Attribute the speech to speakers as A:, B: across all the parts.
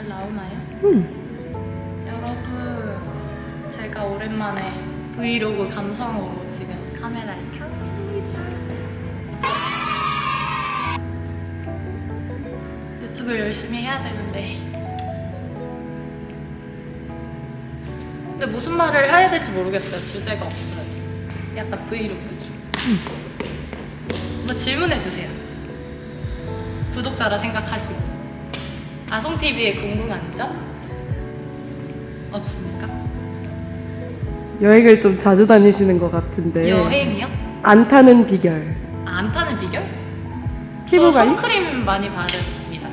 A: 잘 나오나요? 여러분, 제가 오랜만에 브이로그 감성으로 지금 카메라를 켰습니다. 유튜브를 열심히 해야 되는데 근데 무슨 말을 해야 될지 모르겠어요. 주제가 없어요. 약간 브이로그. 뭐 질문해주세요. 구독자라 생각하시고. 아송TV에 궁금한 점? 없습니까?
B: 여행을 좀 자주 다니시는 것 같은데.
A: 여행이요?
B: 안 타는 비결.
A: 아, 안 타는 비결?
B: 피부
A: 저
B: 관리?
A: 선크림 많이 바릅니다.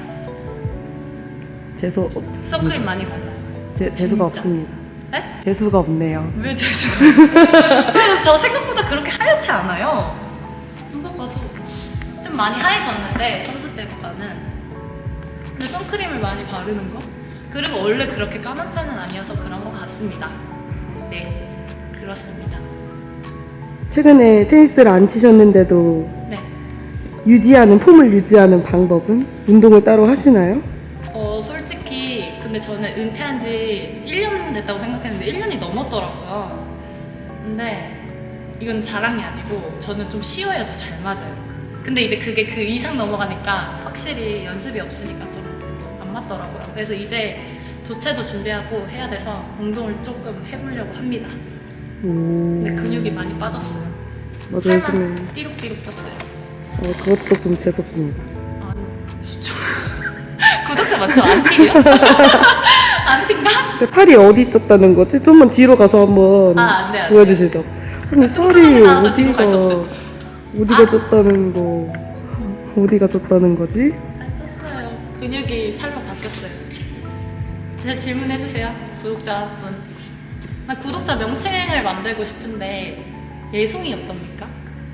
B: 재수 없습니다.
A: 선크림 많이 발라요.
B: 재수가
A: 진짜?
B: 없습니다.
A: 네?
B: 재수가 없네요.
A: 왜 재수가 그래서 저 생각보다 그렇게 하얗지 않아요. 누가 봐도 좀 많이 하얘졌는데 선수 때보다는. 근데 선크림을 많이 바르는 거? 그리고 원래 그렇게 까만 편은 아니어서 그런 것 같습니다. 네, 그렇습니다.
B: 최근에 테니스를 안 치셨는데도
A: 네.
B: 폼을 유지하는 방법은? 운동을 따로 하시나요?
A: 솔직히 근데 저는 은퇴한 지 1년 됐다고 생각했는데 1년이 넘었더라고요. 근데 이건 자랑이 아니고 저는 좀 쉬어야 더 잘 맞아요. 근데 이제 그게 그 이상 넘어가니까 확실히 연습이 없으니까 좀 안 맞더라고요. 그래서 이제 도체도 준비하고 해야 돼서 운동을 조금 해보려고 합니다. 근데 근육이 많이 빠졌어요.
B: 맞아, 요즘에.
A: 살만 띠룩띠룩 쪘어요.
B: 그것도 좀 재수없습니다.
A: 아, 진짜. 구독자 맞죠? 안 튀겨? 안 튄가?
B: 그 살이 어디 쪘다는 거지? 좀만 뒤로 가서 한번
A: 안 돼, 안 돼.
B: 보여주시죠. 아니, 살이
A: 뚱뚱하게 나와서 뒤로 갈수
B: 어디가 쪘다는 거, 어디가 쪘다는 거지?
A: 살 쪘어요. 근육이 살로 바뀌었어요. 제가 질문해주세요, 구독자분. 나 구독자 명칭을 만들고 싶은데 예송이 어떻습니까?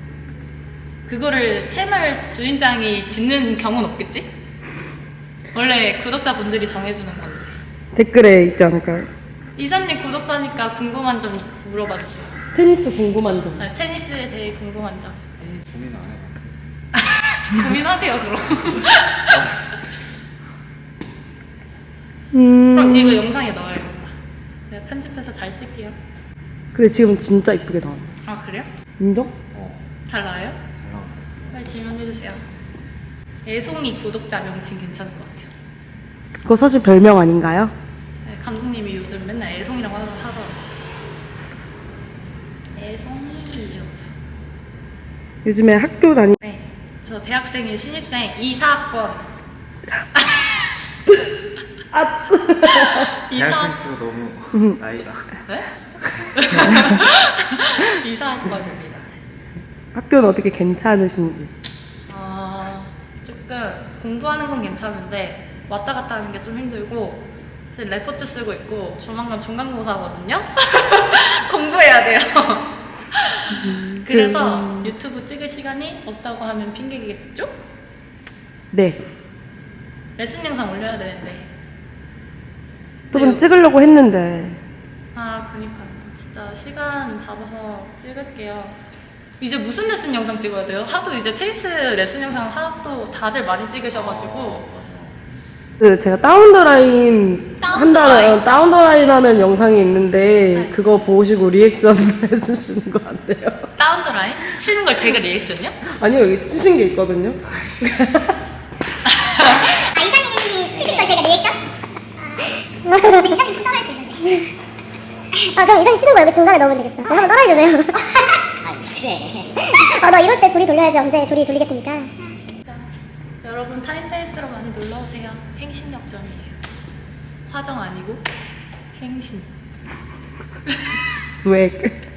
A: 그거를 채널 주인장이 짓는 경우는 없겠지? 원래 구독자분들이 정해주는 건데.
B: 댓글에 있지 않을까요?
A: 이사님 구독자니까 궁금한 점 물어봐 주세요.
B: 테니스 궁금한 점.
A: 아, 테니스에 대해 궁금한 점.
C: 고민 안 해봤어요.
A: 고민하세요, 그럼. 그럼 이거 영상에 넣어야겠다. 내가 편집해서 잘 쓸게요.
B: 근데 지금 진짜 이쁘게 나와.
A: 아, 그래요?
B: 인정?
A: 잘 나와요?
C: 잘 나온다.
A: 빨리 질문해주세요. 애송이 구독자 명칭 괜찮은 것 같아요.
B: 그거 사실 별명 아닌가요?
A: 네, 감독님이 요즘 맨날 애송이라고 하더라고요. 애송이 이러면서.
B: 요즘에 학교 다니.
A: 네, 저 대학생이에요. 신입생 2사학번.
C: 대학생 치고 너무 나이가.
A: 네? 2사학번입니다.
B: 학교는 어떻게 괜찮으신지.
A: 조금 공부하는 건 괜찮은데 왔다 갔다 하는 게 좀 힘들고 지금 레포트 쓰고 있고 조만간 중간고사거든요? 공부해야 돼요. 그래서 유튜브 찍을 시간이 없다고 하면 핑계겠죠?
B: 네.
A: 레슨 영상 올려야 되는데
B: 두 분 찍으려고 했는데.
A: 그니까요. 진짜 시간 잡아서 찍을게요. 이제 무슨 레슨 영상 찍어야 돼요? 하도 이제 테니스 레슨 영상 하도 다들 많이 찍으셔가지고
B: 제가 다운더라인
A: 다운더라인?
B: 다운더라인 하는 영상이 있는데
A: 네.
B: 그거 보시고 리액션 해주시는 거 안 돼요?
A: 다운더라인? 치는 걸 제가 리액션이요?
B: 아니요, 여기 치신 게 있거든요.
D: 이사님이 치신 걸 제가 리액션? 근데 이사님 좀 따라할 수 있는데. 그럼 이사님 치는 거 여기 중간에 넣으면 되겠다. 한번 따라해주세요. 그래. 나 이럴 때 조리 돌려야지. 언제 조리 돌리겠습니까?
A: 자, 여러분 타임테니스로 많이 놀러오세요. 행신역점이에요. 화정 아니고 행신.
B: 스웩.